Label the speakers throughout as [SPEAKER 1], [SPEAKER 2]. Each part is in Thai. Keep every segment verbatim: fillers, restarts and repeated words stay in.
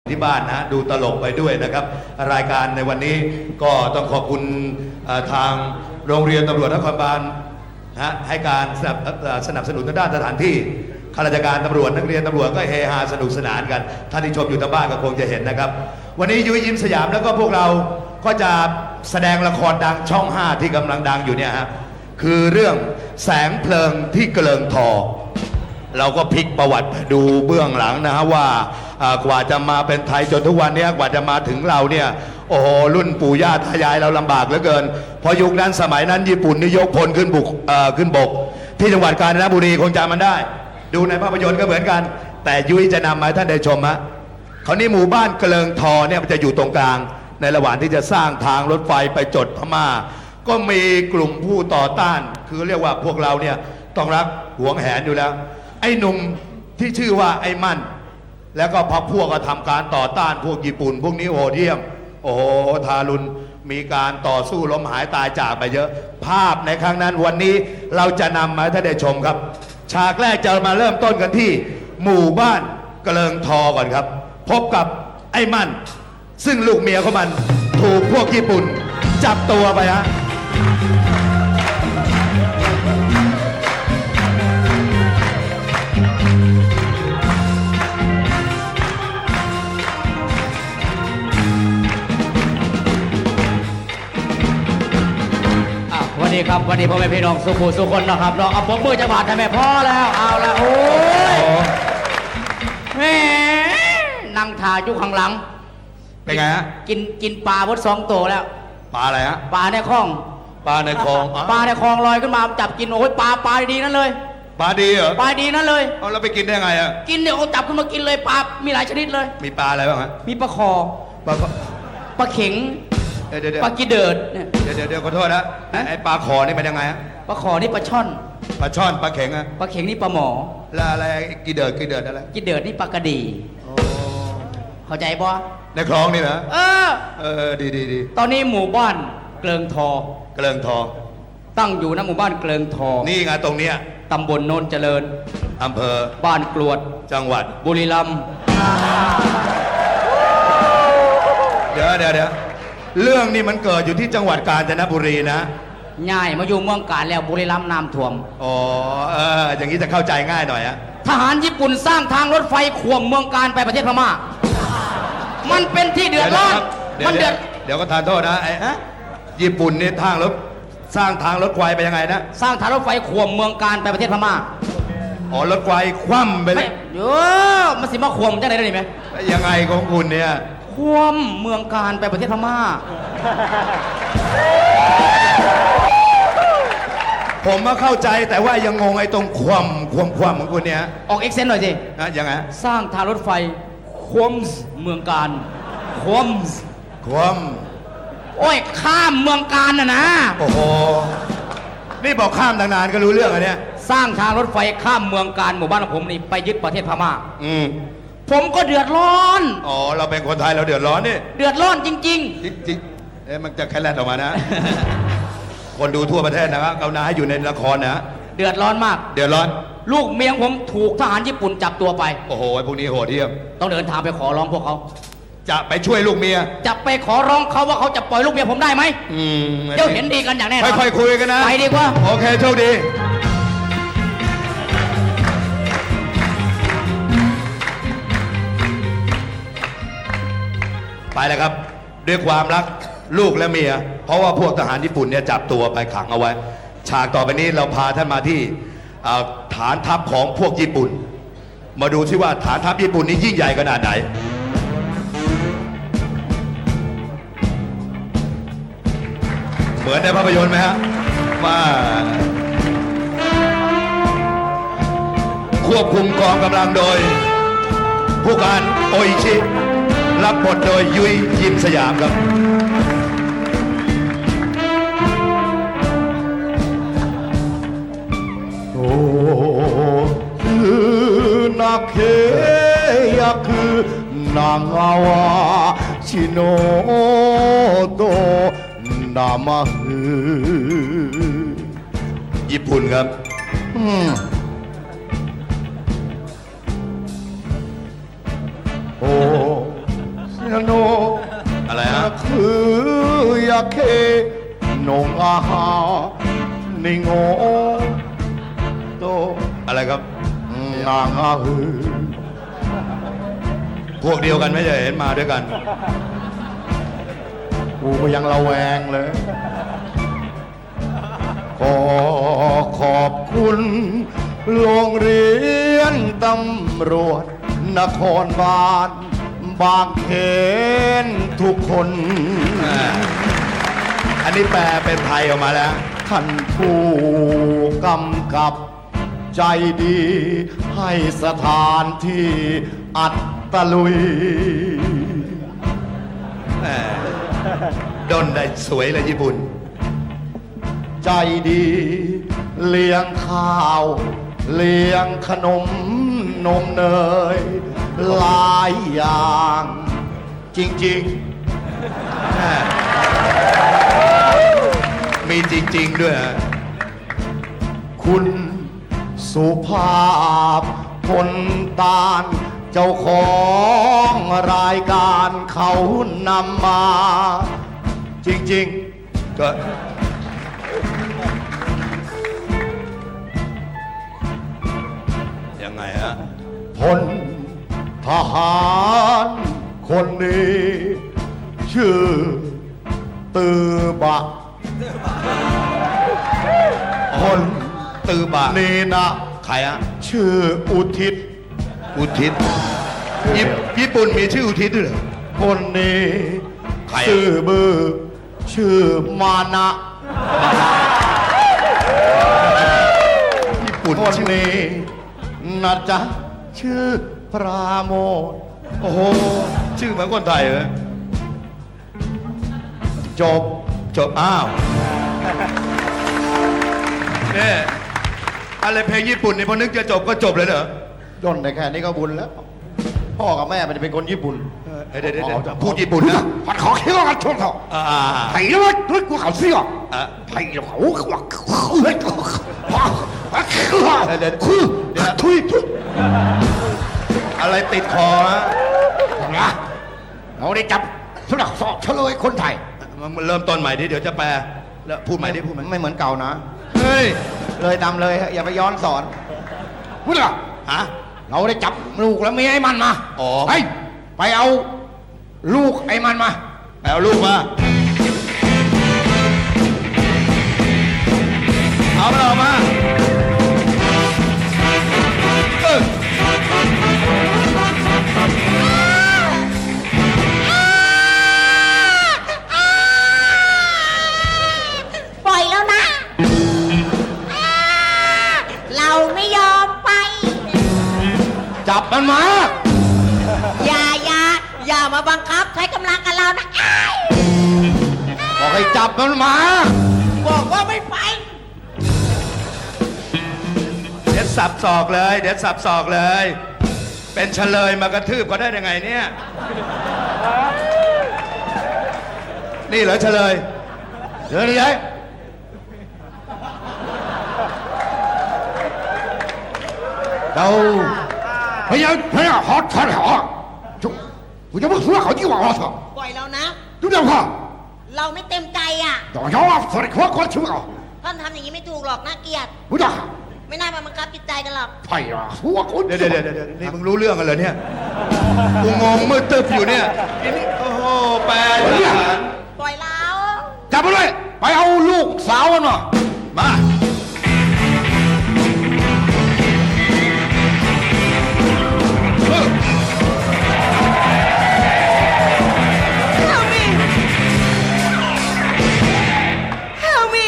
[SPEAKER 1] ที่บ้านนะดูตลกไปด้วยนะครับรายการในวันนี้ก็ต้องขอบคุณทางโรงเรียนตำรวจนครบาลนะให้การสนับสนุนทางด้านสถานที่ข้าราชการตำรวจนักเรียนตำรวจก็เฮฮาสนุกสนานกันท่านที่ชมอยู่ทางบ้านก็คงจะเห็นนะครับวันนี้ยุ้ยยิ้มสยามแล้วก็พวกเราก็จะแสดงละครดังช่องห้าที่กำลังดังอยู่เนี่ยฮะคือเรื่องแสงเพลิงที่เกลิงทอเราก็พลิกประวัติดูเบื้องหลังนะฮะว่ากว่าจะมาเป็นไทยจนทุกวันนี้กว่าจะมาถึงเราเนี่ยโอ้โหรุ่นปู่ย่าตายายเราลำบากเหลือเกินพอยุคนั้นสมัยนั้นญี่ปุ่นนี่ยกพลขึ้นบุกขึ้นบกที่จังหวัดกาญจนบุรีคงจำมันได้ดูในภาพยนตร์ก็เหมือนกันแต่ยุ้ยจะนำมาท่านได้ชมฮะเขานี่หมู่บ้านเกลิงทอเนี่ยมันจะอยู่ตรงกลางในระหว่างที่จะสร้างทางรถไฟไปจดพม่าก็มีกลุ่มผู้ต่อต้านคือเรียกว่าพวกเราเนี่ยต้องรักหวงแหนอยู่แล้วไอ้หนุ่มที่ชื่อว่าไอ้มั่นแล้วก็พรรคพวกก็ทำการต่อต้านพวกญี่ปุ่นพวกนี้โหดเยี่ยมโอ้โหทารุณมีการต่อสู้ล้มหายตายจากไปเยอะภาพในครั้งนั้นวันนี้เราจะนำมาให้ท่านได้ชมครับฉากแรกจะมาเริ่มต้นกันที่หมู่บ้านเกลิงทอก่อนครับพบกับไอ้มั่นซึ่งลูกเมียของมันถูกพวกญี่ปุ่นจับตัวไปฮะ
[SPEAKER 2] วันนี้ครับวันนี้พ่อแม่พี่น้องสุขุสุคนนะครับเราเอาปมมือจะบาดทำไมพ่อแล้วเอาแล้วโอ้ยแหมนั่งถ่ายอยู่ข้างหลัง
[SPEAKER 1] เป็นไงฮะ
[SPEAKER 2] กินกินปลาพดสองตัวแล้ว
[SPEAKER 1] ปลาอะไรฮะ
[SPEAKER 2] ปลาในคลอง
[SPEAKER 1] ปลาในคลอง
[SPEAKER 2] ปลาในคลองลอยขึ้นมาจับกินโอ้ยปลาปลาดีนั่นเลย
[SPEAKER 1] ปลาดีเหรอ
[SPEAKER 2] ปลาดีนั่นเลย
[SPEAKER 1] เอาแล้วไปกินได้ไงอ่ะ
[SPEAKER 2] กินเนี่ยเขาจับขึ้นมากินเลยปลามีหลายชนิดเลย
[SPEAKER 1] มีปลาอะไรบ้างฮะ
[SPEAKER 2] มีปลาคอ
[SPEAKER 1] ปลา
[SPEAKER 2] ปลาเข็งปลากีเดิดเนี่ย
[SPEAKER 1] เดี๋ยวเดี๋ยวขอโทษนะไอ้ปลาคอนี่เป็นยังไงฮะ
[SPEAKER 2] ปลาคอนี่ปลาช่อน
[SPEAKER 1] ปลาช่อนปลาเข็งอะ
[SPEAKER 2] ปลาเข็งนี่ปลาหมอ
[SPEAKER 1] แล้วอะไรกีเดิดกีเดิดอะไร
[SPEAKER 2] กีเดิดนี่ปลากระดีเข้าใจบ่
[SPEAKER 1] ในคลองนี่นะ
[SPEAKER 2] เออ
[SPEAKER 1] เออดีดีดี
[SPEAKER 2] ตอนนี้หมู่บ้านเกลิงทอ
[SPEAKER 1] เกลิงทอ
[SPEAKER 2] ตั้งอยู่ณหมู่บ้านเกลิงทอ
[SPEAKER 1] นี่ไงตรงเนี้ย
[SPEAKER 2] ตำบลโนนเจริญ
[SPEAKER 1] อำเภอ
[SPEAKER 2] บ้านกรวด
[SPEAKER 1] จังหวัด
[SPEAKER 2] บุรีรัมย์
[SPEAKER 1] เดี๋ยวเดี๋ยวเดี๋ยวเรื่องนี้มันเกิดอยู่ที่จังหวัดกาญจนบุรีนะ
[SPEAKER 2] ง่ายมาอยู่เมืองกาญแล้วบุรีรัมย์น้ำท่วม
[SPEAKER 1] อ๋อเอออย่างนี้จะเข้าใจง่ายหน่อยอะ
[SPEAKER 2] ทหารญี่ปุ่นสร้างทางรถไฟข่วมเมืองกาญไปประเทศพม่ามันเป็นที่เดือดร้อนมันเดือด
[SPEAKER 1] เดี๋ยวก็ทานโทษนะไอ้ญี่ปุ่นนี่ทางรถสร้างทางรถไฟไปยังไงนะ
[SPEAKER 2] สร้างทางรถไฟข่วมเมืองกาญไปประเทศพม่า
[SPEAKER 1] อ๋อรถไฟคว่ำไปเลย
[SPEAKER 2] โย่มันสิมาข่วมจะไหนได้ไหม
[SPEAKER 1] ยังไงของคุณเนี่ย
[SPEAKER 2] ข่วมเมืองกาญไปประเทศพม่า
[SPEAKER 1] ผมมาเข้าใจแต่ว่ายังงงไอ้ตรงความความความของคุณเนี่ย
[SPEAKER 2] ออกเอ็กเซนต์หน่อยสิ
[SPEAKER 1] นะยังไง
[SPEAKER 2] สร้างทางรถไฟข่วมเมืองกาญข่วม
[SPEAKER 1] ข่วม
[SPEAKER 2] โอ้ยข้ามเมืองกาญน่ะนะ
[SPEAKER 1] โอ้โหนี่บอกข้ามนานๆก็รู้เรื่องอันเนี้ย
[SPEAKER 2] สร้างทางรถไฟข้ามเมืองกาญหมู่บ้านของผมนี่ไปยึดประเทศพม่า
[SPEAKER 1] อืม
[SPEAKER 2] ผมก็เดือดร้อน
[SPEAKER 1] อ๋อเราเป็นคนไทยเราเดือดร้อนนี่
[SPEAKER 2] เดือดร้อนจริงๆจ
[SPEAKER 1] ริงๆเอ๊ะมันจะแค่แลดออกมานะคนดูทั่วประเทศนะครับเอานาให้อยู่ในละครนะ
[SPEAKER 2] เดือดร้อนมาก
[SPEAKER 1] เดือดร้อน
[SPEAKER 2] ลูกเมียผมถูกทหารญี่ปุ่นจับตัวไป
[SPEAKER 1] โอ้โหพวกนี้โหดเหี้ยม
[SPEAKER 2] ต้องเดินทางไปขอร้องพวกเขา
[SPEAKER 1] จะไปช่วยลูกเมีย
[SPEAKER 2] จะไปขอร้องเขาว่าเขาจะปล่อยลูกเมียผมได้ไหม
[SPEAKER 1] อืม
[SPEAKER 2] เดี๋ยวเห็นดีกันอย่างแน่นอน
[SPEAKER 1] ค่อยๆคุยกันนะ
[SPEAKER 2] ไปดีกว่า
[SPEAKER 1] โอเคโชคดีไปเลยครับด้วยความรักลูกและเมียเพราะว่าพวกทหารญี่ปุ่นเนี่ยจับตัวไปขังเอาไว้ฉากต่อไปนี้เราพาท่านมาที่ฐานทัพของพวกญี่ปุ่นมาดูซิว่าฐานทัพญี่ปุ่นนี้ยิ่งใหญ่ขนาดไหนเหมือนในภาพยนตร์ไหมฮะว่าควบคุมกองกำลังโดยผู้การโออิชิรับบทโดยยุ้ยยิ้มสยามครับโอ้คือนาเคยาคือนาがわしのとนามาฮืญี่ปุ่นครับโอ้
[SPEAKER 3] โน
[SPEAKER 1] อะไรฮะ
[SPEAKER 3] คือยาเคนงอาหานิโงโต
[SPEAKER 1] อะไรครับ
[SPEAKER 3] นางอาหือ
[SPEAKER 1] พวกเดียวกันไม่ใช่เห็นมาด้วยกัน
[SPEAKER 3] กูก็ยังระแวงเลย ขอขอบคุณโรงเรียนตำรวจนครบาลบางเขนทุกคน
[SPEAKER 1] อันนี้แปลเป็นไทยออกมาแล้ว
[SPEAKER 3] ท่านผู้กำกับใจดี ให้สถานที่อัดตะลุย
[SPEAKER 1] แหมดนได้สวยเลยญี่ปุ่น
[SPEAKER 3] ใจดี เลี้ยงข้าว เลี้ยงขนมนมเนย หลายอย่าง จริง
[SPEAKER 1] มีจริง ๆ ด้วยฮะ
[SPEAKER 3] ๆ คุณสุภาพพลตาล เจ้าของรายการเขานำมา จริง
[SPEAKER 1] ก็ ยังไงฮะ
[SPEAKER 3] ๆ พลทหารคนนี้ ชื่อ ตือบะ คน
[SPEAKER 1] ตือบะ
[SPEAKER 3] นี้นะ
[SPEAKER 1] ใครฮะ
[SPEAKER 3] ชื่ออุทิศ
[SPEAKER 1] อุทิศญี่ญี่ปุ่นมีชื่ออุทิศด้วยเหรอ
[SPEAKER 3] คนนี้
[SPEAKER 1] ใครอะ
[SPEAKER 3] ชื่อบือ ชื่อมานะ
[SPEAKER 1] ญี่ปุ่น
[SPEAKER 3] คน
[SPEAKER 1] ชื่อ
[SPEAKER 3] นี้นะจ๊ะชื่อปราโมท
[SPEAKER 1] โอ้โห ชื่อเหมือนคนไทยเลย
[SPEAKER 3] จบ
[SPEAKER 1] จบ อ้าวเนี่ยอะไรเพลงญี่ปุ่นนี่พอนึกจะจบก็จบเลยเหรอ
[SPEAKER 3] ย่นได้แค่นี้ก็บุญแล้ว พ่อกับแม่ไม่ได้เป็นคนญี่ปุ่น
[SPEAKER 1] เดี๋ยวเดี๋ยว
[SPEAKER 3] อ๋
[SPEAKER 1] เดี๋ยว
[SPEAKER 3] อจะ
[SPEAKER 1] พูดญี่ปุ่นนะ
[SPEAKER 3] ผัดขอเคี้ยวกันชนเขา
[SPEAKER 1] อ่าอ่าอ่า
[SPEAKER 3] ไผ่แล้วด้วยกูเขาเสื้อ
[SPEAKER 1] อ่ะ
[SPEAKER 3] ไผ่แล้วเขาเขาเฮ้ยเขาคือทุยทุย
[SPEAKER 1] อะไรติดคอฮะ
[SPEAKER 3] นะเราได้จับทุลักสอบเฉลยคนไทย
[SPEAKER 1] มันเริ่มต้นใหม่ดิเดี๋ยวจะแปลแล้วพูดใหม่ดิพูดใหม่
[SPEAKER 3] ไม่เหมือนเก่านะ
[SPEAKER 1] เฮ้ย
[SPEAKER 3] เลยตามเลยฮะอย่าไปย้อนสอนพูดเหรอ
[SPEAKER 1] ฮะ
[SPEAKER 3] เราได้จับลูกแล้วเมียไอ้มันมา
[SPEAKER 1] อ๋อ
[SPEAKER 3] ไปไปเอาลูกไอ้มันมา
[SPEAKER 1] ไปเอาลูกมาเอามันออกมาเออ
[SPEAKER 4] ปล่อยแล้วนะ เราไม่ยอมไป
[SPEAKER 3] จับมันมา
[SPEAKER 4] อย่าอย่าอย่ามาบังคับใช้กำลังกับเรานะอ้าย
[SPEAKER 3] บอกให้จับมันมา
[SPEAKER 4] บอกว่าไม่ไป
[SPEAKER 1] เดี๋ยวสับศอกเลย เดี๋ยวสับศอกเลย เป็นเฉลยมากระทืบเขาได้ยังไงเนี่ย นี่เหรอเฉลย
[SPEAKER 3] เดี๋ยวนี้ไอ้เราพยายามพยายามหอดทันหอจุ我就不说好几万我操，
[SPEAKER 4] ปล่อยแล้วนะ
[SPEAKER 3] 就这样看，
[SPEAKER 4] เราไม่เต็มใจอ่ะ
[SPEAKER 3] 早上啊，说的快快去啊，
[SPEAKER 4] ท่านทำอย่างนี้ไม่ถูกหรอกน่าเกลียด
[SPEAKER 3] 不打，
[SPEAKER 4] ไม่น่ามาบังคับจิตใจกันหรอก
[SPEAKER 3] 哎呀，我我
[SPEAKER 1] เดี๋ยวเดี๋ยวเดี๋ยวเดี๋ยวนี่มึงรู้เรื่องกันเหรอเนี่ย กูงงมืดตึบอยู่เนี่ยอันนี้โอ้โห แปลทหาร
[SPEAKER 4] ปล่อยเรา
[SPEAKER 3] จับมันเลยไปเอาลูกสาวมันมา
[SPEAKER 1] มา เออ
[SPEAKER 4] Help me Help me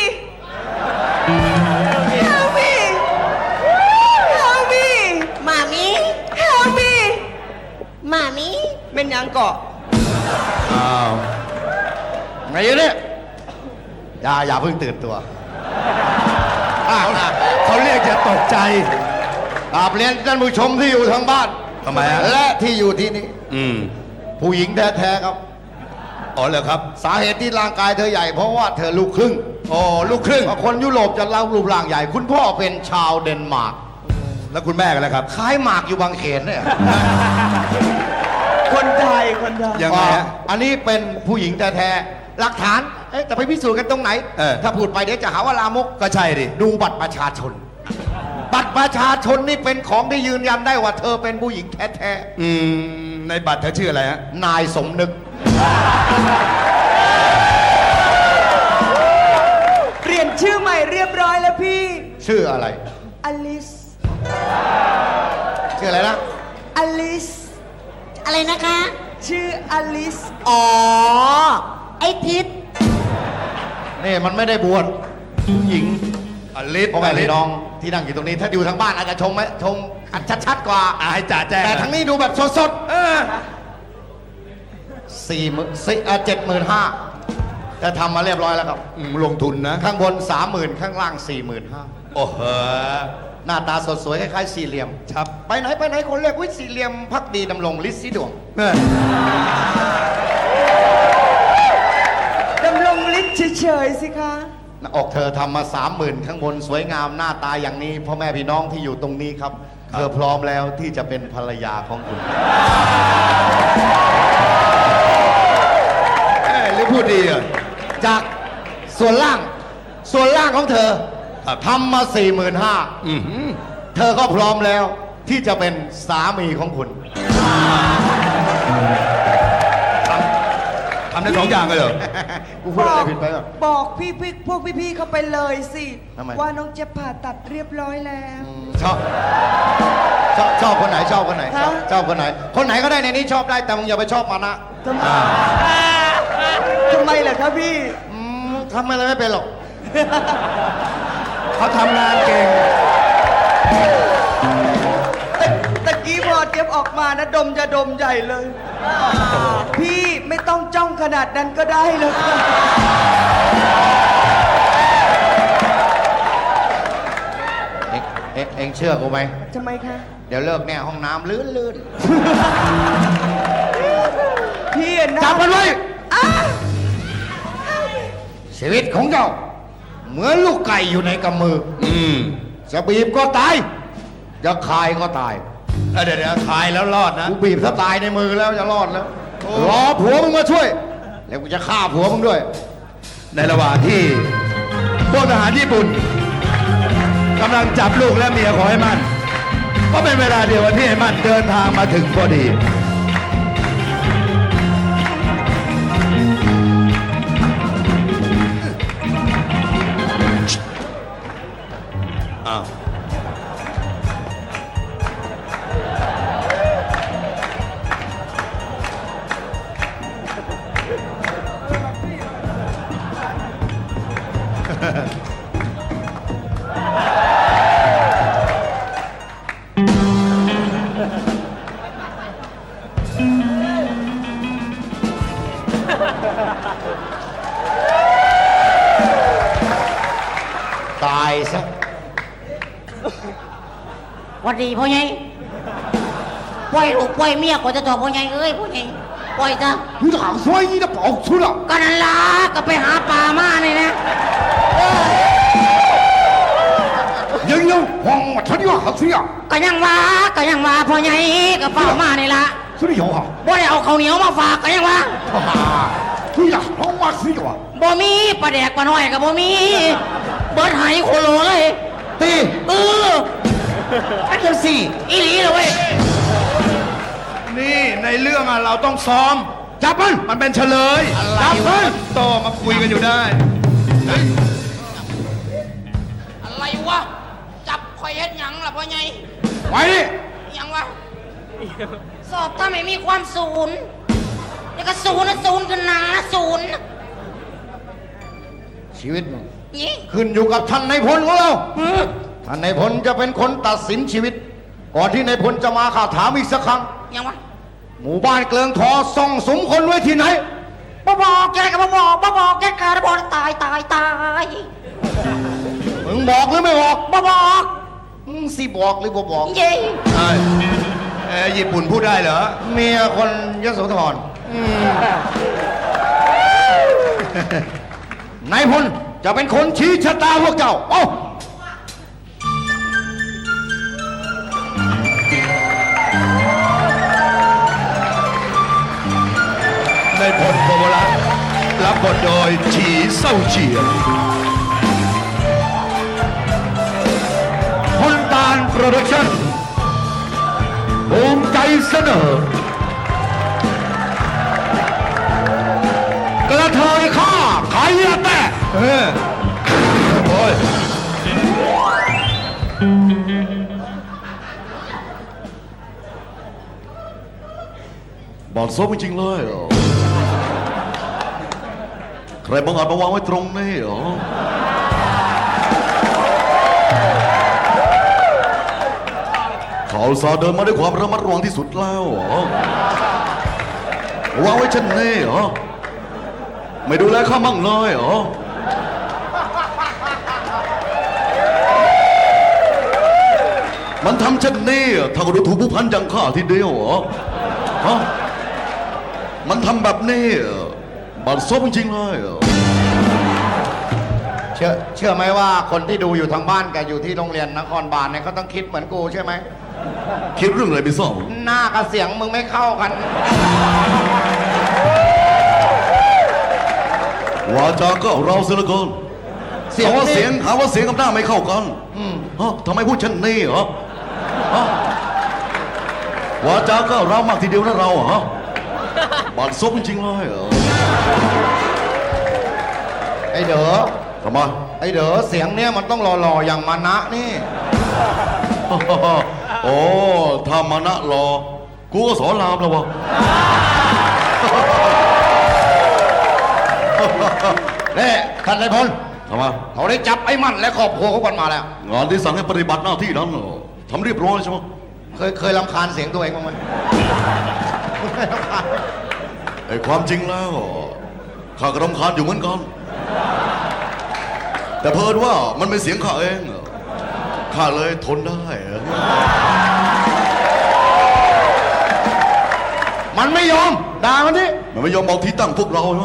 [SPEAKER 4] Help me Help me มามิ Help me มามิเป็นยังเกาะ
[SPEAKER 1] อ้าว
[SPEAKER 3] ไงอยู่เนี่ยอย่าอย่าเพิ่งตื่นตัวอ้าวนะ
[SPEAKER 1] เขาเรียกจะตกใจ
[SPEAKER 3] กราบเรียนท่านผู้ชมที่อยู่ทางบ้าน
[SPEAKER 1] ทำไมฮะ
[SPEAKER 3] และที่อยู่ที่นี่
[SPEAKER 1] อืม
[SPEAKER 3] ผู้หญิงแท้ๆครับ
[SPEAKER 1] อ๋อเหรอครับ
[SPEAKER 3] สาเหตุที่ร่างกายเธอใหญ่เพราะว่าเธอลูกครึ่ง
[SPEAKER 1] อ๋อ ลูกครึ่ง
[SPEAKER 3] เพราะคนยุโรปจะเล่ารูปร่างใหญ่ คุณพ่อเป็นชาวเดนมาร์ก
[SPEAKER 1] แล้วคุณแม่กันแล้วครับ
[SPEAKER 3] คล้ายหมากอยู่บางเขนเนี่ย
[SPEAKER 4] คนไทยคนไทย
[SPEAKER 1] ยังไงฮะ
[SPEAKER 3] อันนี้เป็นผู้หญิงแท้ๆหลักฐานเอ๊ะจะไปพิสูจน์กันตรงไหน
[SPEAKER 1] เออ
[SPEAKER 3] ถ้าพูดไปเดี๋ยวจะหาว่าลามก
[SPEAKER 1] ก็ใช่ดิ
[SPEAKER 3] ดูบัตรประชาชน บัตรประชาชนนี่เป็นของที่ยืนยันได้ว่าเธอเป็นผู้หญิงแท้
[SPEAKER 1] อืมในบัตรเธอชื่ออะไรฮะ
[SPEAKER 3] ๆนายสมนึก
[SPEAKER 4] เปลี่ยนชื่อใหม่เรียบร้อยแล้วพี่
[SPEAKER 3] ชื่ออะไร
[SPEAKER 4] อลิส
[SPEAKER 3] ชื่ออะไรนะ
[SPEAKER 4] อลิส
[SPEAKER 5] อะไรนะคะ
[SPEAKER 4] ชื่ออลิส
[SPEAKER 5] อ๋อ ไอ้ทิศ
[SPEAKER 3] นี่มันไม่ได้บวชผู้หญิง
[SPEAKER 1] อลิศ
[SPEAKER 3] พ่อแม่พี่น้องที่นั่งอยู่ตรงนี้ ถ้าอยู่ทางบ้านอาจจะชมไหมชมอันชัดๆกว่า
[SPEAKER 1] อ่ะให้จ่าแจ้ง
[SPEAKER 3] แต่ทางนี้ดูแบบสด
[SPEAKER 1] เออ
[SPEAKER 3] ๆสี่หมื่นสี่เจ็ดหมื่นห้าจะทำมาเรียบร้อยแล้วครับ
[SPEAKER 1] อืมลงทุนนะ
[SPEAKER 3] ข้างบนสามหมื่นข้างล่างสี่หมื่นห้า
[SPEAKER 1] โอ้โห
[SPEAKER 3] หน้าตาสดสวยคล้ายๆสี่เหลี่ยม
[SPEAKER 1] ครับ
[SPEAKER 3] ไปไหนไปไหนคนเรียกวิสี่เหลี่ยมพักดีดำรงลิศสีดวง
[SPEAKER 1] เออ
[SPEAKER 4] ดำรงฤทธิ์เฉยๆสิคะ
[SPEAKER 3] หน้าอกเธอทำมาสามหมื่นข้างบนสวยงามหน้าตาอย่างนี้พ่อแม่พี่น้องที่อยู่ตรงนี้ครับ เธอพร้อมแล้วที่จะเป็นภรรยาของคุณ
[SPEAKER 1] เอ้ยหรือพูดดีอ่ะ
[SPEAKER 3] จากส่วนล่างส่วนล่างของเธอ
[SPEAKER 1] ครับ
[SPEAKER 3] ทำมาสี่หมื่นห้า
[SPEAKER 1] อือหือ
[SPEAKER 3] เธอก็พร้อมแล้วที่จะเป็นสามีของคุณ
[SPEAKER 1] ทำได้สองอย่างเลยเหรอ
[SPEAKER 3] กูพูดอะไรผิดไปเหรอ
[SPEAKER 4] บอกพี่พี่พวกพี่ๆเขาไปเลยสิ
[SPEAKER 3] ทำไม
[SPEAKER 4] ว่าน้องเจะผ่าตัดเรียบร้อยแล้ว
[SPEAKER 3] ชอบชอบชอบคนไหนชอบคนไหนชอบ
[SPEAKER 4] ฮะ
[SPEAKER 3] ชอบคนไหน คนไหนก็ได้ในนี้ชอบได้แต่มึงอย่าไปชอบมานะ
[SPEAKER 4] ทำไมทำไมล่ะคะพี่
[SPEAKER 3] อืมทำอะไรไม่เป็นหรอก
[SPEAKER 1] เขาทำงานเก่ง
[SPEAKER 4] ตะตะกี้พอเจี๊ยบออกมานะดมจะดมใหญ่เลย พี่ไม่ต้องจ้องขนาดนั้นก็ได้เลยค่ะ
[SPEAKER 3] เอ็งเอ็งเอ็งเชื่อกูไหม
[SPEAKER 4] ทำไมคะ
[SPEAKER 3] เดี๋ยวเลิกแน่ห้องน้ำลื่นลื่น
[SPEAKER 4] พี่อะนะ
[SPEAKER 3] จับมันไว้
[SPEAKER 4] อ้า
[SPEAKER 3] ชีวิตของเจ้า เหมือนลูกไก่อยู่ในกำมือ
[SPEAKER 1] อืม
[SPEAKER 3] จะบีบก็ตาย จะคายก็ตาย
[SPEAKER 1] เออเดี๋ยวเดี๋ยวขายแล้วรอดนะ
[SPEAKER 3] กูบีบถ้าตายในมือแล้วจะรอดแล้ว รอผัวมึงมาช่วย แล้วกูจะฆ่าผัวมึงด้วย
[SPEAKER 1] ในระหว่างที่พวกทหารญี่ปุ่นกำลังจับลูกและเมียของไอ้มันก็เป็นเวลาเดียวกันที่ไอ้มันเดินทางมาถึงพอดีอ้าว
[SPEAKER 3] ตายซะ
[SPEAKER 5] หวัดดีพ่อใหญ่ปล่อยลูกปล่อยเมียก่อนจะตอบพ่อใหญ่เอ้ยพ่อใหญ่ปล่อยซะ
[SPEAKER 3] 你哪说你的宝出了？
[SPEAKER 5] ก็นั่นล่ะก็ไปหาปลามานี่นะ
[SPEAKER 3] 人有黄我他的好水啊！
[SPEAKER 5] ก็ยังว่าก็ยังว่าพ่อใหญ่ก็เฝ้ามานี่ล่ะ
[SPEAKER 3] 这里有哈，
[SPEAKER 5] บ่ได้เอาข้าวเหนียวมาฝากก็ยังว่า
[SPEAKER 3] 哈哈，对呀，黄我水有啊，
[SPEAKER 5] บ่มีปลาแดกปลาน้อยก็บ่มีเบิดไหโคโลเลย
[SPEAKER 3] 对，
[SPEAKER 5] เออ
[SPEAKER 3] 安全是，
[SPEAKER 5] อีหลีเลยเว้ย
[SPEAKER 1] นี่ในเรื่องอะเราต้องซ้อม
[SPEAKER 3] 加班，
[SPEAKER 1] มันเป็นเฉลย
[SPEAKER 3] 加班，
[SPEAKER 1] โตมาคุยกันอยู่ได้เฮ้ย
[SPEAKER 5] อะไรวะจับข่อยเฮ็ดหยังล่ะพ่อใหญ่
[SPEAKER 3] 喂你，
[SPEAKER 5] หยังวะสอบถ้าไม่มีความศูนย์แล้วก็ศูนย์นะศูนย์คือหนาศูนย์
[SPEAKER 3] ชีวิตมึง
[SPEAKER 5] นี่
[SPEAKER 3] ขึ้นอยู่กับท่านในายพลของเรา
[SPEAKER 5] อืม
[SPEAKER 3] ท่านในายพลจะเป็นคนตัดสินชีวิต ก่อนที่ในายพลจะมาข้าถามอีกสักครั้ง
[SPEAKER 5] หยังวะ
[SPEAKER 3] หมู่บ้านเกลืองทอซ่องสมคนไว้ที่ไหน
[SPEAKER 5] บ่บอกแกก็บ่บอกบ่บอกแกขาดบ่ตายตายตาย
[SPEAKER 3] มึงบอกหรือไม่บอก
[SPEAKER 5] บ่บอก
[SPEAKER 3] มึงสิบอกหรือบ่บอก
[SPEAKER 5] เย้
[SPEAKER 1] เอ้ยเอ้ยญี่ปุ่นพูดได้เหรอ
[SPEAKER 3] เมียคนยโสธรนายพลจะเป็นคนชี้ชะตาพวกเจ้า เอ้า
[SPEAKER 5] พ
[SPEAKER 1] ในพลโพวรัตน์รับบทโดยฉีเศร้าเฉียน
[SPEAKER 3] พลตานโปรดักชั่นภูมิใจเสนอ กระเทยข้าไข่แตะ
[SPEAKER 1] เออโอ้ย
[SPEAKER 3] บอดซบจริงๆเลยเหรอใครบังอาจมาวางไว้ตรงนี้เหรอเขาสาห์เดินมาด้วยความระมัดระวังที่สุดแล้วเหรอวางไว้เช่นนี้เหรอไม่ดูแลข้ามั่งเลยเหรอมันทำเช่นนี้ถ้าก็ดูถูกผู้พันอย่างข้าทีเดียวเหรอฮะมันทำแบบนี้บัดซบจริงๆเลยเหรอ
[SPEAKER 6] เชื่อเชื่อไหมว่าคนที่ดูอยู่ทางบ้านกับอยู่ที่โรงเรียนนครบาลเนี่ยเขาต้องคิดเหมือนกูใช่ไหม
[SPEAKER 3] คิดเรื่องอะไรไม่ทราบ
[SPEAKER 6] หน้ากับเสียงมึงไม่เข้ากัน
[SPEAKER 3] วาจาก็เราเสียเหลือเกิน
[SPEAKER 6] เสียง
[SPEAKER 3] หาว่า
[SPEAKER 6] นี่
[SPEAKER 3] เสียงหาว่าเสียงกับหน้าไม่เข้ากันฮะทำไมพูดเช่นนี้เหรอฮะวาจาก็เรามากทีเดียวนะเราฮะบัดซบจริงๆเลยเหรอ
[SPEAKER 6] ไอเด๋อ
[SPEAKER 3] ทำไม
[SPEAKER 6] ไอเด๋อเสียงเนี่ยมันต้องหล่อๆอย่างมานะนี่
[SPEAKER 3] โอ้ถ้ามานะรอ กูก็สอนรามแล้ววะ
[SPEAKER 6] นี่ท่านนายพล
[SPEAKER 3] ทำไม
[SPEAKER 6] เขาได้จับไอ้มันและครอบครัวเขากันมาแล้ว
[SPEAKER 3] งานที่สั่งให้ปฏิบัติหน้าที่นั้นเหรอทำเรียบร้อยใช่ไหม
[SPEAKER 6] เคยเคยรำคาญเสียงตัวเองบ้างไหม
[SPEAKER 3] ไอ้ความจริงแล้วข้าก็รำคาญอยู่เหมือนกัน แต่เพิ่นว่ามันเป็นเสียงข้าเองข้าเลยทนได้
[SPEAKER 6] มันไม่ยอมด่ามันดิ
[SPEAKER 3] มันไม่ยอมบอกที่ตั้งพวกเราใช่ไหม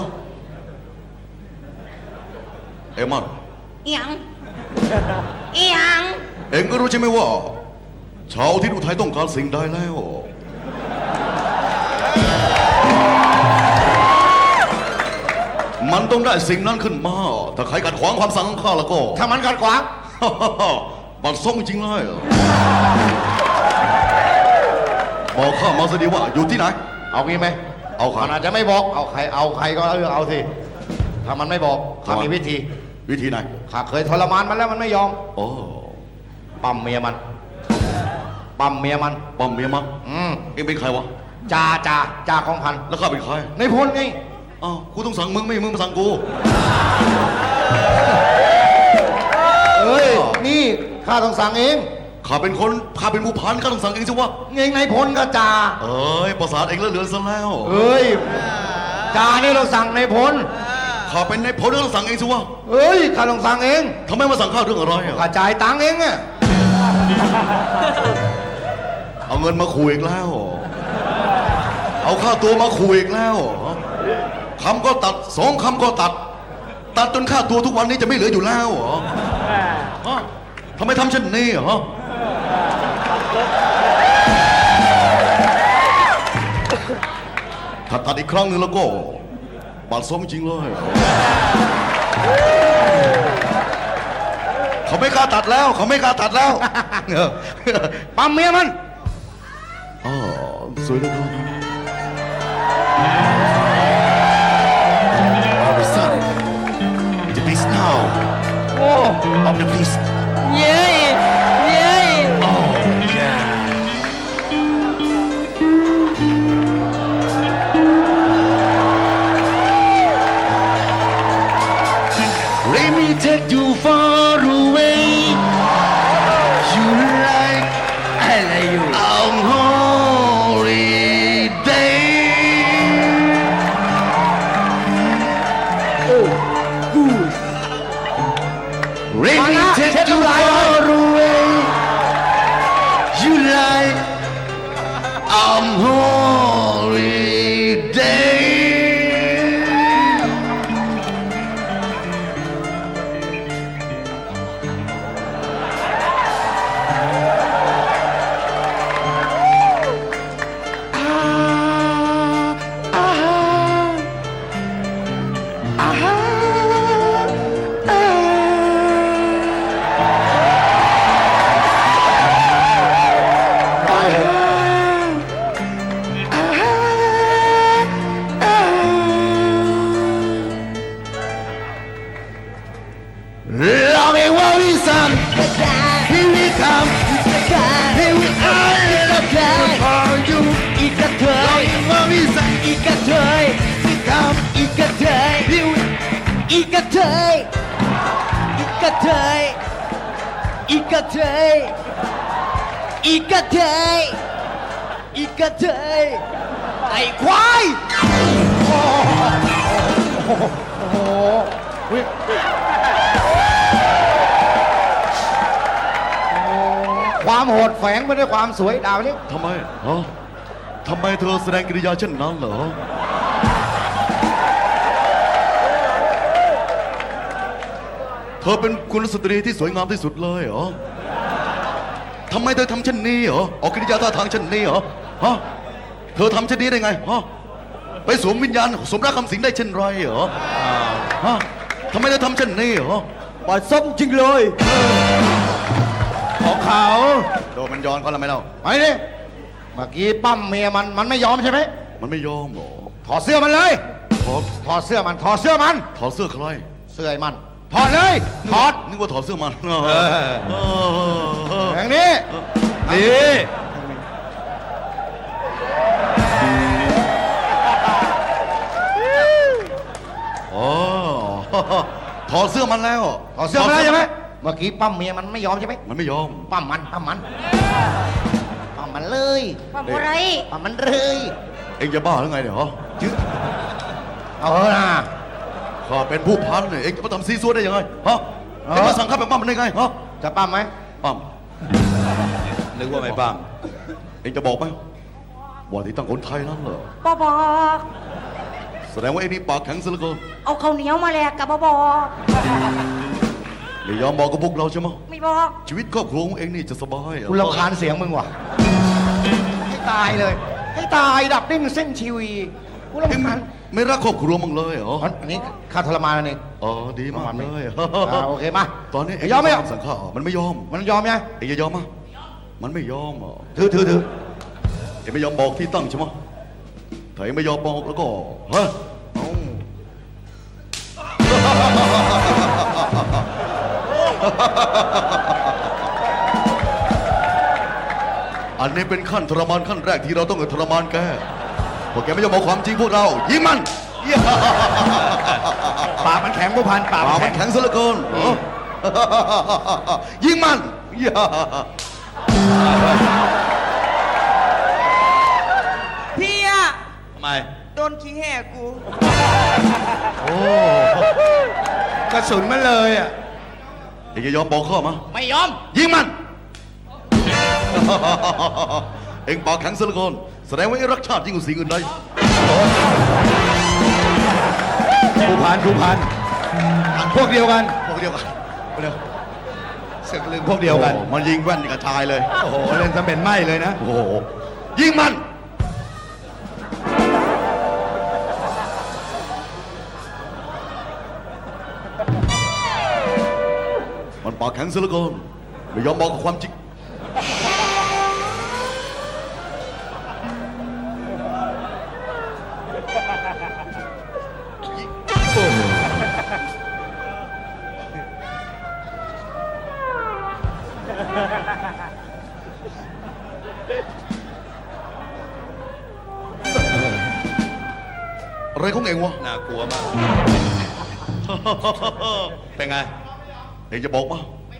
[SPEAKER 3] เอ็มัน
[SPEAKER 5] อีหยังอีหยัง
[SPEAKER 3] เอ็งก็รู้ใช่ไหมว่า ชาวที่อุทัยต้องการสิ่งใดแล้ว มันต้องได้สิ่งนั้นขึ้นมา ถ้าใครขัดขวางความสั่งของข้าแล้วก็
[SPEAKER 6] ถ้ามันขัดขวาง
[SPEAKER 3] บัดซบจริงๆเลยบอกข้ามาสิดีว่าอยู่ที่ไหน
[SPEAKER 6] เอางี้ไหม
[SPEAKER 3] เอาใคร
[SPEAKER 6] มันอาจจะไม่บอก เอาใคร เอาใครก็เลือกเอาสิ ถ้ามันไม่บอกข้า
[SPEAKER 3] ทำไม
[SPEAKER 6] มีวิธี
[SPEAKER 3] วิธีไหน
[SPEAKER 6] ข้าเคยทรมานมันแล้วมันไม่ยอม
[SPEAKER 3] โอ้
[SPEAKER 6] ปั๊มเมียมัน ปั๊มเมียมัน
[SPEAKER 3] ป้อมเมียมั้ง
[SPEAKER 6] อืม
[SPEAKER 3] เอ็งเป็นใครวะ
[SPEAKER 6] จ่าจ่าจ่าของพัน
[SPEAKER 3] แล้วข้าเป็นใคร
[SPEAKER 6] ในพลไง
[SPEAKER 3] อ้าวกูต้องสั่งมึงไม่มึงมาสั่งกู
[SPEAKER 6] เอ้ย นี่ข้าต้องสั่งเอง
[SPEAKER 3] ข้าเป็นคนข้าเป็นผู้พันข้าต้องสั่งเองสิวะ
[SPEAKER 6] เองในพลก็จ่า
[SPEAKER 3] เอ้ยประสาทเองแล้วเหลือซะแล้ว
[SPEAKER 6] เอ้ย จ่านี่เราสั่งในพล
[SPEAKER 3] ข้าเป็นในพลต้องสั่งเองสิวะ
[SPEAKER 6] เอ้ย ข้าต้องสั่งเอง
[SPEAKER 3] ทำไมมาสั่งข้าเรื่องอะไรอะ
[SPEAKER 6] ข้าจ่ายตังค์เองอะ
[SPEAKER 3] เอาเงินมาขู่อีกแล้ว เอาค่าตัวมาขู่อีกแล้วคำก็ตัดสองคำก็ตัด ตัดจนค่าตัวทุกวันนี้จะไม่เหลืออยู่แล้วเหรอฮะทำไมทำเช่นนี้เหรอถ้าตัดอีกครั้งหนึ่งแล้วก็บาดซบจริงเลย เขาไม่กล้าตัดแล้ว เขาไม่กล้าตัดแล้ว
[SPEAKER 6] ปั๊มเมียมัน
[SPEAKER 3] อ๋อสวยเหลือเกิน
[SPEAKER 7] Son, the beast now of the beast.
[SPEAKER 5] เย้ยเย้ย
[SPEAKER 7] Oh, yeah. Let me take you far away. You like, I like you. On holiday. Let me take you far away. You like on holiday.
[SPEAKER 4] เทยอีกระเทยอีกระเทยอีกระเทยอีกระเทยไอ้ควาย
[SPEAKER 6] ความโหดแฝงไปด้วยความสวยดาวนี่
[SPEAKER 7] ทำไมฮะทำไมเธอแสดงกิริยาเช่นนั้นเหรอ เธอเป็นกุลสตรีที่สวยงามที่สุดเลยเหรอทำไมเธอทำเช่นนี้เหรอออกกิริยาท่าทางเช่นนี้เหรอฮะเธอทำเช่นนี้ได้ไงฮะไปสวมวิญญาณสมรักคำสิงได้เช่นไรเหรอฮะทำไมเธอทำเช่นนี้เหรอ
[SPEAKER 4] ปาส้มจริงเลย
[SPEAKER 6] ของเขา
[SPEAKER 7] โดนมันย้อนเขาแล้วไหมเล่า
[SPEAKER 6] ไปดิเมื่อกี้ปั้มเมียมันมันไม่ยอมใช่ไหม
[SPEAKER 7] มันไม่ยอมเหรอ
[SPEAKER 6] ถอดเสื้อมันเลย
[SPEAKER 7] ถอด
[SPEAKER 6] ถอดเสื้อมันถอดเสื้อมัน
[SPEAKER 7] ถอดเสื้อใคร
[SPEAKER 6] เสื้อไอ้มันถอดเลยถอด
[SPEAKER 7] นึกว่าถอดเสื้อมัน
[SPEAKER 1] เออ
[SPEAKER 7] เออ
[SPEAKER 6] อย่างนี้
[SPEAKER 1] ดี
[SPEAKER 7] อ๋อถอดเสื้อมันแล้ว
[SPEAKER 6] ถอดเสื้อมันแล้วใช่ไหมเมื่อกี้ปั้มเมียมันไม่ยอมใช่ไหม
[SPEAKER 7] มันไม่ยอม
[SPEAKER 6] ปั้มมันปั้มมันปั้มมันเลย
[SPEAKER 5] ว่าอะไร
[SPEAKER 6] ปั้มมันเลย
[SPEAKER 7] เอ็งจะบ้าหรือไงเนี่ยฮะ
[SPEAKER 6] เอาเถอะนะ
[SPEAKER 7] ข้าเป็นผู้พันเนี่ยเอ็งจะมาทำซีซัวได้ยังไงฮะเอ็งมาสั่งข้าแบบปั้มมันได้ไงฮะ
[SPEAKER 6] จะปั้มไหม
[SPEAKER 7] ปั้ม
[SPEAKER 1] นึกว่าไม่บ้าง
[SPEAKER 7] เอ็งจะบอกไหมว่าที่ตั้งคนไทยนั่นเหรอ
[SPEAKER 5] บอบอก
[SPEAKER 7] แสดงว่าไอ้นี่ปากแข็งซะเหลือเกิน
[SPEAKER 5] เอาข้าวเหนียวมาแลกกับบอบอก
[SPEAKER 7] ไม่ยอมบอกกับพวกเราใช่ไหม
[SPEAKER 5] ไม่บอก
[SPEAKER 7] ชีวิตครอบครัวของเอ็งนี่จะสบายเหรอ
[SPEAKER 6] กูรำคาญเสียงมึงว่ะให้ตายเลยให้ตายดับดิ้นเส้นชีวีกู
[SPEAKER 7] เอ็ง
[SPEAKER 6] รำ
[SPEAKER 7] ไม่
[SPEAKER 6] คาญ
[SPEAKER 7] ไม่รักครอบครัวมึงเลยเหรอ
[SPEAKER 6] อันนี้ค่าทรมานนั่นเอง
[SPEAKER 7] อ๋อดีมากเลย
[SPEAKER 6] อ่าโอเคมา
[SPEAKER 7] ตอนนี้เอ็ง
[SPEAKER 6] ยอมไหม
[SPEAKER 7] สั่งข้ามันไม่ยอม
[SPEAKER 6] มันยอมยัง
[SPEAKER 7] เอ็งจะยอมมั้ยมันไม่ยอมเหรอ
[SPEAKER 6] ถือถือถือ
[SPEAKER 7] เอ็งไม่ยอมบอกที่ตั้งใช่ไหมถ้าเอ็งไม่ยอมบอกแล้วก็ฮะเอ้า อันนี้เป็นขั้นทรมานขั้นแรกที่เราต้องทรมานแกพวกแกไม่ยอมบอกความจริงพวกเรา ยิงมัน
[SPEAKER 1] ปากมันแข็งผู้พันปาก
[SPEAKER 7] ปาก
[SPEAKER 1] มั
[SPEAKER 7] มัน น
[SPEAKER 1] แข็ง
[SPEAKER 7] แข็งซะเหลือเกินยิงมัน
[SPEAKER 4] พี่อะ
[SPEAKER 1] ทำไม
[SPEAKER 4] โดนขี้แห่กู
[SPEAKER 1] กระสุนมันเลยอ่ะ
[SPEAKER 7] เอ็งจะยอมบอกข้ามา
[SPEAKER 2] ไม่ยอม
[SPEAKER 7] ยิงมัน เอ็งปากแข็งซะเหลือเกินแสดงว่าเอ็งรักชาติยิ่งกว่าสิ่งอื่นใด
[SPEAKER 1] ผู้พันผู้พันพวกเดียวกัน
[SPEAKER 7] พวกเดียวกันพวกเดียว
[SPEAKER 1] เสือกลึงพวกเดียวกัน
[SPEAKER 7] โอ้มันยิงแว่นกับชายเลย
[SPEAKER 1] โอ้โหเล่นสำเป็นไหมเลยนะ
[SPEAKER 7] โอ้โห ยิงมัน มันปากแข็งซะเหลือเกินไม่ยอมบอกความจริง อะไรของเองวะ
[SPEAKER 1] น่ากลัวมาก เป็นไง
[SPEAKER 7] เองจะบอกมา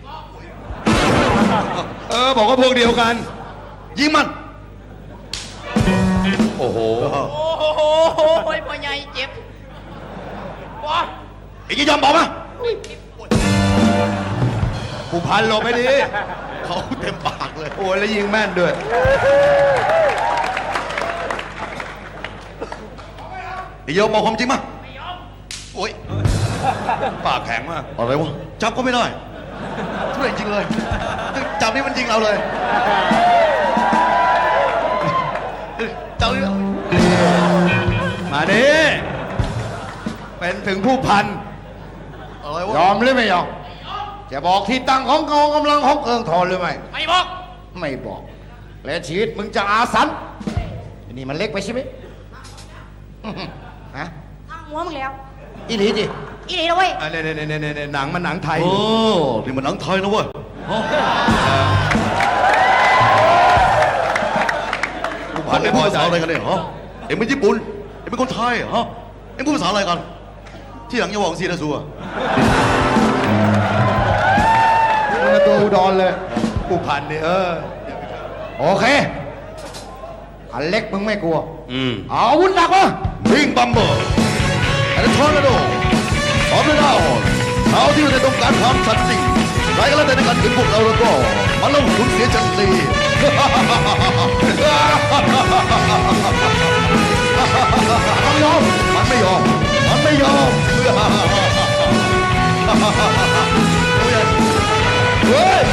[SPEAKER 1] เออ บอกว่าพวกเดียวกัน
[SPEAKER 7] ยิงมัน
[SPEAKER 1] โอ้โห
[SPEAKER 2] โอ้โหพ่อใหญ่เจ็บว้า
[SPEAKER 7] เองจะยอมบอกมา
[SPEAKER 1] ผู้พันหลบไปดี
[SPEAKER 7] เขาเต็มปากเลย
[SPEAKER 1] โอ้ยแล้วยิงแม่นด้วย
[SPEAKER 7] เองยอมบอกความจริงมาโอ้ย
[SPEAKER 1] ปากแข็งมาก
[SPEAKER 7] อะไรวะ จับก็ไม่ได้ช่วยจริงเลย จับนี่มันยิงเราเลย จับนี่
[SPEAKER 1] มาดิเป็นถึงผู้พัน
[SPEAKER 7] อะไรวะ
[SPEAKER 6] ยอมหรือไม่ยอมจะบอกที่ตั้งของกองกำลังของเอิงทอนหรือไม่
[SPEAKER 2] ไม่บอก
[SPEAKER 6] ไม่บอก และชีวิตมึงจะอาสันอันนี่มันเล็กไปใช่ไหมอื้อหือฮะ
[SPEAKER 5] ตั้งหัวมึงแล้ว
[SPEAKER 6] อีหลีดิ
[SPEAKER 5] อีนี่นะเว้ย
[SPEAKER 1] อ่ะเนี่ยเนี่ยเนี่ยเนี่ยหนังมันหนังไทย
[SPEAKER 7] โอ้นี่มันหนังไทยนะเว้ยฮะ
[SPEAKER 1] ผู้
[SPEAKER 7] พ
[SPEAKER 1] พั
[SPEAKER 7] วน กเอ็
[SPEAKER 1] ไม่
[SPEAKER 7] ง
[SPEAKER 1] พ
[SPEAKER 7] พูด
[SPEAKER 1] อ
[SPEAKER 7] ภา
[SPEAKER 1] ใจ
[SPEAKER 7] ษาอะไรกันเนี่ยฮะเอ็งเป็นญี่ปุ่น เอ็งเป็นคนไทยเหรอฮะเอ็งพูดภาษาอะไรกันที่หลังอย่าบอกซีนะสัว
[SPEAKER 3] มึงเป็นตัวอุดรเลย
[SPEAKER 1] ผู้พันนี่เออ
[SPEAKER 3] โอเค อันเล็กมึงไม่กลัว
[SPEAKER 7] อืม
[SPEAKER 3] เอาอาวุธหนักมา
[SPEAKER 7] พิงบัมเบอร์แอนทอร์นาโดพร้อมด้วยดาวเขาที่อยู่ในต้องการความสัตย์จริงใครก็แล้วแต่ในการถึงพวกเราแล้วก็มาลงทุนเสียจันที
[SPEAKER 3] มันยอม
[SPEAKER 7] มันไม่ยอม มันไม่ยอม เฮ้ย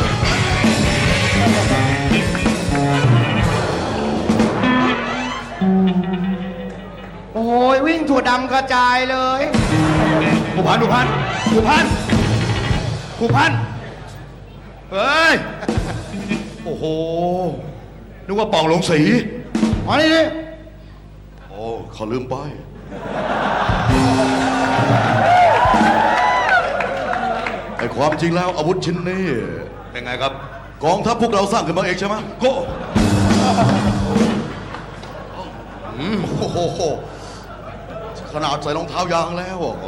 [SPEAKER 3] โอ้ยวิ่งถั่วดำกระจายเลย
[SPEAKER 1] ผู้พันผู้พันผู้พันผู้พันเฮ้ย โอ้โห นึกว่าป่องลงสี
[SPEAKER 3] มานี่ดิ
[SPEAKER 7] โอ้เขาลืมไป ไอ้ความจริงแล้วอาวุธชิ้นนี้
[SPEAKER 1] เป็นไงครับ
[SPEAKER 7] กองทัพพวกเราสร้างขึ้นมาเองใช่ไหม
[SPEAKER 1] โก้
[SPEAKER 7] โอ้โห ขนาดใส่รองเท้ายางแล้วอ่ะ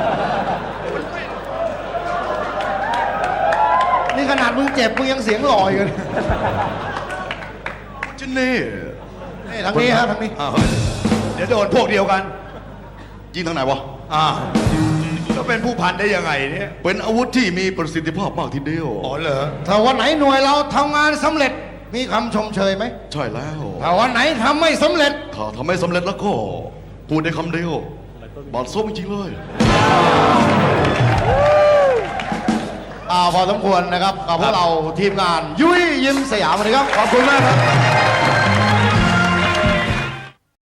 [SPEAKER 3] นี่ขนาดมึงเจ็บมึงยังเสียงหล่ออยู่เลย
[SPEAKER 7] ชิ้นนี้
[SPEAKER 3] นี่ทางนี้ฮะทางนี้
[SPEAKER 1] อ้าวเดี๋ยวโดนพวกเดียวกัน
[SPEAKER 7] ยิงทางไหนวะ
[SPEAKER 1] อ่าก็เป็นผู้พันได้ยังไงเนี่ย
[SPEAKER 7] เป็นอาวุธที่มีประสิทธิภาพมากทีเดียว
[SPEAKER 1] อ๋อเหรอ
[SPEAKER 3] ถ้าวันไหนหน่วยเราทำงานสำเร็จมีคำชมเชยไหม
[SPEAKER 7] ใช่แล้ว
[SPEAKER 3] ถ้าวันไหนทำไม่สำเร็จ
[SPEAKER 7] ถ้าทำไม่สำเร็จแล้วก็พูดได้คำเดียวบาดส้มจริงๆเลย
[SPEAKER 3] อ่าพอสมควรนะครับกับพวกเราทีมงาน ยุ้ยยิ้มสยามวันนี้ครับ ขอบคุณมากครับ